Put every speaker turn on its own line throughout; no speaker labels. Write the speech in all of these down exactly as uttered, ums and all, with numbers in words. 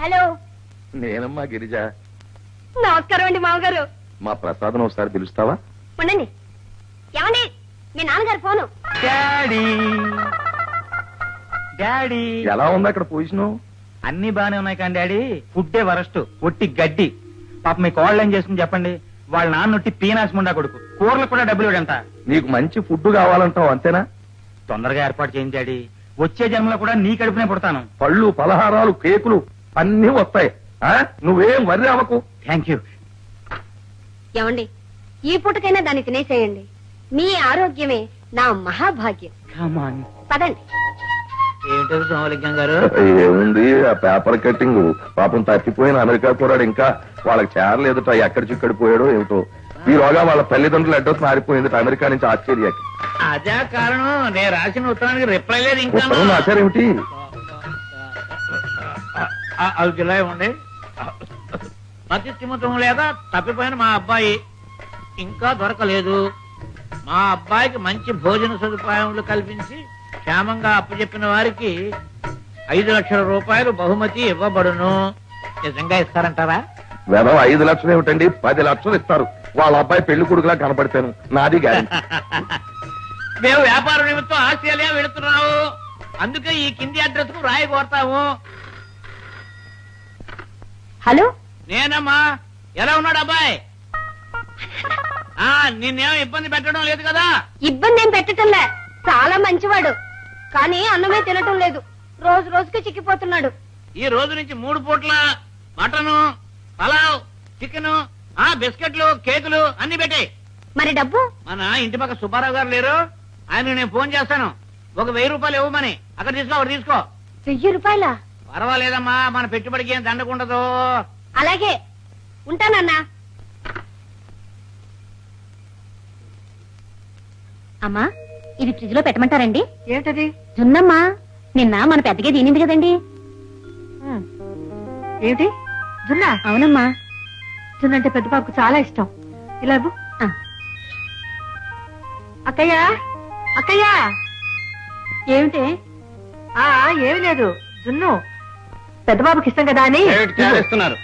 Hello,
నేనమ్మా గిరిజ.
నమస్కారం అండి మామగారు.
మా ప్రసాదం ఒకసారి పిలుస్తావా?
ఉండండి. ఏమండి, మీ నాన్నగారు ఫోను.
డాడీ డాడీ
ఎలా ఉంది అక్కడ పొజిషన్?
అన్ని బానే ఉన్నాయి కానీ డాడీ ఫుడ్డే వరస్ట్, ఒట్టి గడ్డి. పాప మీ కోళ్ళు ఏం చేస్తుంది చెప్పండి. వాళ్ళ నాన్న ఒట్టి పీనాస్ ముండా కొడుకు, కూరలకు కూడా డబ్బులు ఇవ్వడంట.
నీకు మంచి ఫుడ్ కావాలంటావు అంతేనా?
తొందరగా ఏర్పాటు చేయండి డాడీ. వచ్చే జన్మలో కూడా నీ కడుపునే పుడతాను.
పళ్ళు, పలహారాలు, కేకులు అన్నీ వస్తాయి. ఆ నువ్వేం వర్రి అవ్వకు.
Thank you.
ఏమండి, ఈ పూటకైనా దాన్ని తినేసేయండి. మీ ఆరోగ్యమే నా మహాభాగ్యం. పదండి.
ఏంటో సోమలింగం గారు?
ఏముంది, ఆ పేపర్ కట్టింగ్. పాపం తప్పిపోయిన అమెరికా పోరాడు, ఇంకా వాళ్ళకి చేరలేదుట. ఎక్కడి చిక్కడి పోయాడో ఏమిటో. ఈలోగా వాళ్ళ తల్లిదండ్రులు అడ్రస్ మారిపోయింది అమెరికా నుంచి ఆస్ట్రేలియాకి.
అదే కారణం. నేను రాసిన ఉత్తరానికి రిప్లై లేదు ఇంకా.
ఉత్తరం రాశారేమిటి?
అవి జిల్లా ఇవ్వండి. మతి స్థిమితం లేదా తప్పిపోయిన మా అబ్బాయి ఇంకా దొరకలేదు. మా అబ్బాయికి మంచి భోజన సదుపాయములు కల్పించి క్షేమంగా అప్పచెప్పిన వారికి ఐదు లక్షల రూపాయలు బహుమతి ఇవ్వబడును. నిజంగా ఇస్తారంటారా?
వెనవ ఐదు లక్షలు ఏమిటండి, పది లక్షలు ఇస్తారు. వాళ్ళ అబ్బాయి పెళ్లి కొడుకులా కనపడతాను. నాది గ్యారెంటీ.
మేము వ్యాపార నిమిత్తం ఆస్ట్రేలియా వెళుతున్నాము. అందుకే ఈ కింది అడ్రస్ కు రాయి కోరతాము.
హలో,
నేనమ్మా. ఎలా ఉన్నాడు అబ్బాయి? ఆ నిన్నేం ఇబ్బంది పెట్టడం లేదు కదా?
ఇబ్బంది ఏం పెట్టటంలే. చాలా మంచివాడు, కానీ అన్నమే తినటం లేదు. రోజు రోజుకి చిక్కిపోతున్నాడు.
ఈ రోజు నుంచి మూడు పూట్ల మటను, పలావ్, చికెన్, ఆ బిస్కెట్లు, కేకులు అన్ని పెట్టాయి.
మరి డబ్బు?
మన ఇంటి పక్క సుబ్బారావు గారు లేరు, ఆయన నేను ఫోన్ చేస్తాను. ఒక వెయ్యి రూపాయలు ఇవ్వమని. అక్కడ తీసుకో, అక్కడ తీసుకో.
వెయ్యి రూపాయల?
పర్వాలేదమ్మా, మన పెట్టుబడికి ఏం దండకుండదు.
అలాగే, ఉంటానన్నా. అమ్మా, ఇది ఫ్రిడ్జ్ లో పెట్టమంటారండి?
ఏంటది?
జున్నమ్మా. నిన్న మన పెద్దగా తినింది కదండి.
ఏంటి జున్నా?
అవునమ్మా.
జున్న అంటే పెద్ద పాపకు చాలా ఇష్టం. ఇలా ఇవ్వు. అక్కయ్య, అక్కయ్య.
ఏమిటి?
ఆ ఏమి లేదు, జున్ను పెద్ద బాబుకి ఇష్టం కదా అని
చేస్తున్నారు.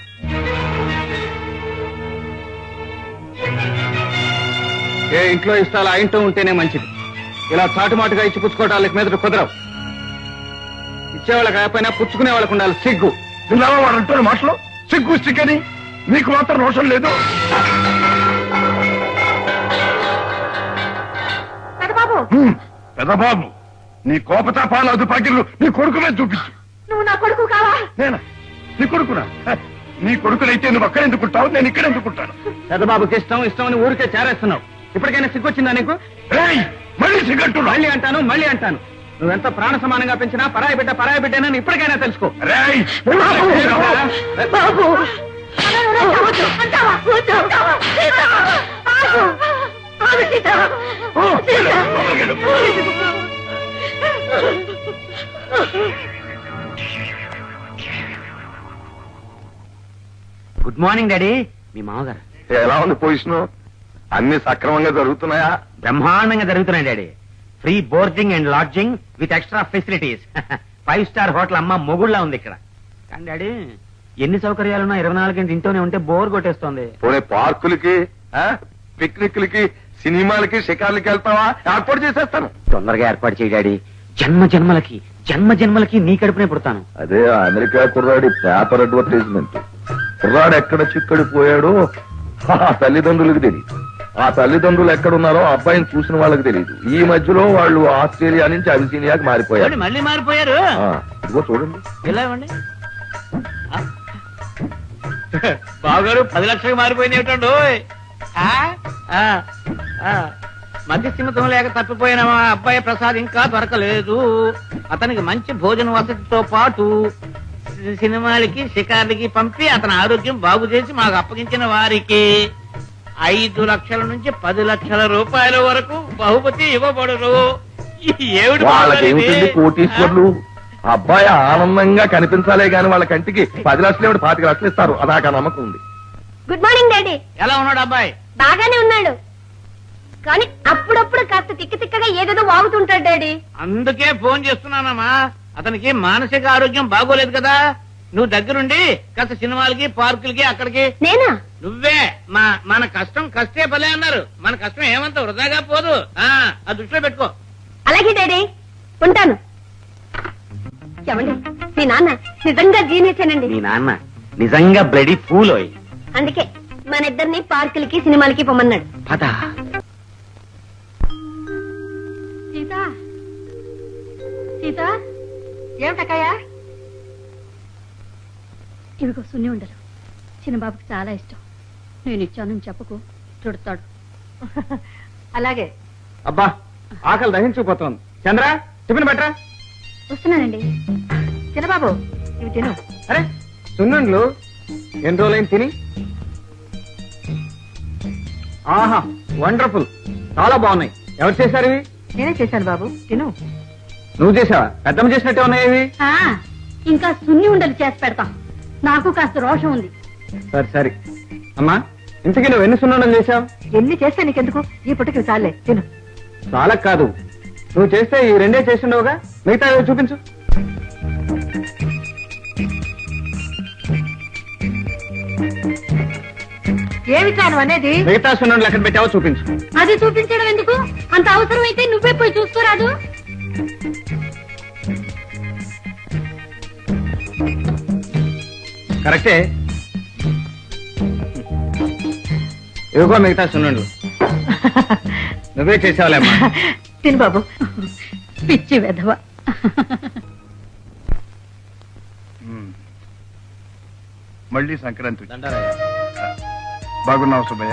ఏ ఇంట్లో ఇష్టాలు ఆ ఇంట్లో ఉంటేనే మంచిది. ఇలా చాటుమాటుగా ఇచ్చి పుచ్చుకోవటానికి మీద కుదరవు. ఇచ్చేవాళ్ళకి కాకపోయినా పుచ్చుకునే వాళ్ళకు ఉండాలి సిగ్గు.
వాడు అంటున్న మాటలు సిగ్గు సిగ్గని నీకు మాత్రం రోషం లేదు.
పెద్దబాబు,
పెదబాబు, నీ కోపతాపాల అదుపాకిళ్ళు నీ కొడుకు మీద చూపించు.
నువ్వు నా కొడుకు కావా?
నేనా నీ కొడుకునా? నీ కొడుకునైతే నువ్వు అక్కడ ఎందుకుంటావు, నేను ఇక్కడ ఎందుకుంటాను?
పెద్దబాబుకి ఇష్టం ఇష్టం అని ఊరికే చేరేస్తున్నావు. ఇప్పటికైనా సిగ్గొచ్చిందా నీకు?
మళ్ళీ సిగ్గట్టు.
మళ్ళీ అంటాను మళ్ళీ అంటాను. నువ్వెంత ప్రాణ సమానంగా పెంచినా పరాయి బిడ్డ పరాయి బిడ్డనని ఇప్పటికైనా తెలుసుకో.
బాబు,
గుడ్ మార్నింగ్ డాడీ. మీ మామగారు.
ఎలా ఉంది పొజిషన్? అన్ని సక్రమంగా జరుగుతున్నాయా?
బ్రహ్మాండంగా జరుగుతున్నాయి daddy. Free boarding and lodging with extra facilities. Five star hotel అమ్మ మొగుళ్ళ ఉంది ఇక్కడ. కానీ డాడీ, ఎన్ని సౌకర్యాలున్నా ఇరవై నాలుగు గంటలు ఇంట్లోనే ఉంటే బోర్ కొట్టేస్తోంది.
పోనీ పార్కులకి, పిక్నిక్లకి, సినిమాలకి, షికార్లకి వెళ్తావా? ఏర్పాటు చేసేస్తాను.
తొందరగా ఏర్పాటు చేయి డాడీ. జన్మ జన్మలకి జన్మ జన్మలకి నీ కడుపునే పుడతాను.
అదే అమెరికా కుర్రాడి పేపర్ అడ్వర్టైజ్మెంట్. కుర్రాడు ఎక్కడ చిక్కడి పోయాడో ఆ తల్లిదండ్రులకు తెలియదు. ఆ తల్లిదండ్రులు ఎక్కడున్నారో అబ్బాయిని చూసిన వాళ్ళకి తెలియదు. ఈ మధ్యలో వాళ్ళు ఆస్ట్రేలియా నుంచి అబిసినియాకి మారిపోయారు.
మళ్ళీ మారిపోయారు.
ఇదిగో చూడండి.
ఇలా ఇవ్వండి. బావగారు పది లక్షలకు మారిపోయింది ఏమిటండు? మధ్య స్థిమితం లేక తప్పిపోయిన మా అబ్బాయి ప్రసాద్ ఇంకా దొరకలేదు. అతనికి మంచి భోజన వసతితో పాటు సినిమాలకి, షికార్లకి పంపి అతని ఆరోగ్యం బాగు చేసి మాకు అప్పగించిన వారికి ఐదు లక్షల నుంచి పది లక్షల రూపాయల వరకు బహుమతి ఇవ్వబడును. ఏమిటి
వాళ్ళకేమిటండి కోటీశ్వర్లు? అబ్బాయి ఆనందంగా కనిపించాలే గాని వాళ్ళ కంటికి పది లక్షలు ఏమిటి పాతిక లక్షలు ఇస్తారు. అదాకా నమ్మకం ఉంది.
Good morning daddy.
ఎలా ఉన్నాడు అబ్బాయి?
బాగానే ఉన్నాడు, కానీ అప్పుడప్పుడు కాస్త తిక్క తిక్కగా ఏదేదో వాగుతుంటాడు డాడీ.
అందుకే ఫోన్ చేస్తున్నానమ్మా. అతనికి మానసిక ఆరోగ్యం బాగోలేదు కదా. నువ్వు దగ్గరుండి కాస్త సినిమాలకి పార్కులకి అక్కడికి.
నేనా?
నువ్వే. మా మన కష్టం కష్టే భలే అన్నారు. మన కష్టం ఏమంత వృధాగా పోదు. ఆ ఆ దృష్టిలో పెట్టుకో.
అలాగే డాడీ, ఉంటాను. ఏమండి, మీ నాన్న నిజంగా జీనియసేనండి.
మీ నాన్న నిజంగా బ్లడీ ఫూల్.
అందుకే మన ఇద్దరిని పార్కులకి సినిమాలకి పొమ్మన్నాడు.
పద.
సీత, సీత,
ఏమిటక్కయ్యా?
ఇవిగో సున్ని ఉండరు. చిన్నబాబుకి చాలా ఇష్టం. నేను ఇచ్చానని చెప్పకు, చుడతాడు.
అలాగే.
అబ్బా ఆకలి దహించుకుపోతోంది. చంద్ర టిఫిన్ బెటరా?
వస్తున్నానండి.
చిన్నబాబు ఇవి తిను.
అరే సున్నుండ్లు ఎన్ని రోజులైంది తిని? ఆహా వండర్ఫుల్, చాలా బాగున్నాయి. ఎవరు చేశారు ఇవి?
నేనే చేశాను బాబు, తిను.
నువ్వు చేసావా? పెద్దమ్మ చేసినట్టే ఉన్నాయి ఇవి.
ఆ, ఇంకా సున్ని ఉండలు చేసి పెడతాం. నాకు కాస్త రోషం ఉంది.
సరే సరే అమ్మా, ఇంతకీ నువ్వు ఎన్ని సున్నుండలు చేశావు?
ఎన్ని చేస్తే నీకెందుకు, ఈ పుట్టకి చాలే, తిను.
చాలా కాదు, నువ్వు చేస్తే ఈ రెండే చేసిండవుగా, మిగతా ఏవో చూపించు.
ఏమి చాను అనేది?
మిగతా సున్నుండలు ఎక్కడ పెట్టావో చూపించు.
అది చూపించడం ఎందుకు? అంత అవసరం అయితే నువ్వే పోయి చూసుకోరాదు.
కరెక్టే, ఇవిగో మిగతా సున్నుండలు. నువ్వే చేసావులేమ్మా.
తిను బాబు.
పిచ్చి వెధవ.
మళ్ళీ సంక్రాంతి బాగున్నావు సుబ్బయ్య?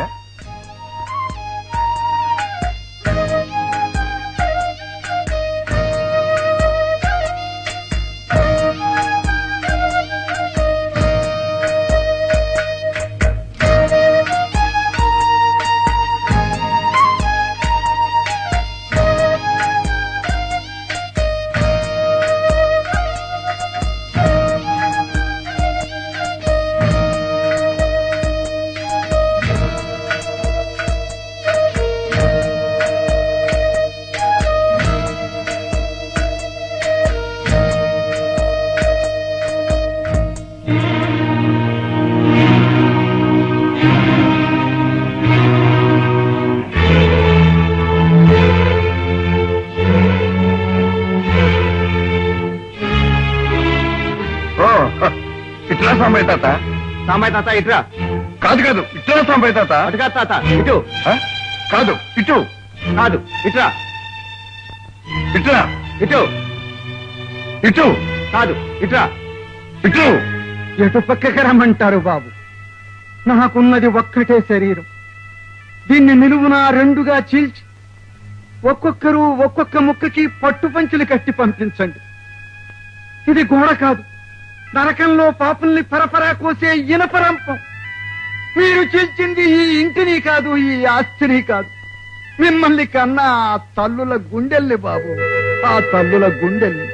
ఇట్లా సాంబయ్య తాత.
సాంబాయి తాత ఇటురా.
కాదు కాదు, ఇట్లా సాంబయ్య తాత.
అటుగా తాత ఇటు.
ఆ? కాదు ఇటు.
కాదు ఇటురా.
ఇట్లా
ఇటు.
ఇటు.
కాదు ఇటురా.
ఇటు.
ఎటు పక్కకి రమ్మంటారు బాబు? నాకున్నది ఒక్కటే శరీరం. దీన్ని నిలువునా రెండుగా చీల్చి ఒక్కొక్కరు ఒక్కొక్క ముక్కకి పట్టు పంచులు కట్టి పంపించండి. ఇది గోడ కాదు, నరకంలో పాపుల్ని పరపరా కోసే ఇనపరంపం. మీరు చీల్చింది ఈ ఇంటిని కాదు, ఈ ఆస్తిని కాదు, మిమ్మల్ని కన్నా ఆ తల్లుల గుండెల్ని బాబు, ఆ తల్లుల గుండెల్ని.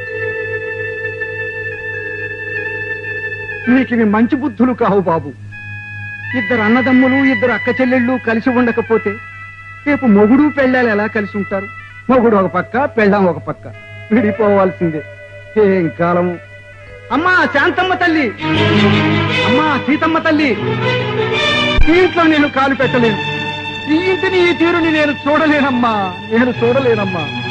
నీకివి మంచి బుద్ధులు కావు బాబు. ఇద్దరు అన్నదమ్ములు ఇద్దరు అక్క చెల్లెళ్ళు కలిసి ఉండకపోతే రేపు మొగుడు పెళ్ళాలు ఎలా కలిసి ఉంటారు? మొగుడు ఒక పక్క, పెళ్ళాం ఒక పక్క, విడిపోవాల్సిందే. ఏం కాలము. అమ్మా శాంతమ్మ తల్లి, అమ్మా సీతమ్మ తల్లి, ఈ ఇంట్లో నేను కాలు పెట్టలేను. ఈ ఇంటిని ఈ తీరుని నేను చూడలేనమ్మా, నేను చూడలేనమ్మా.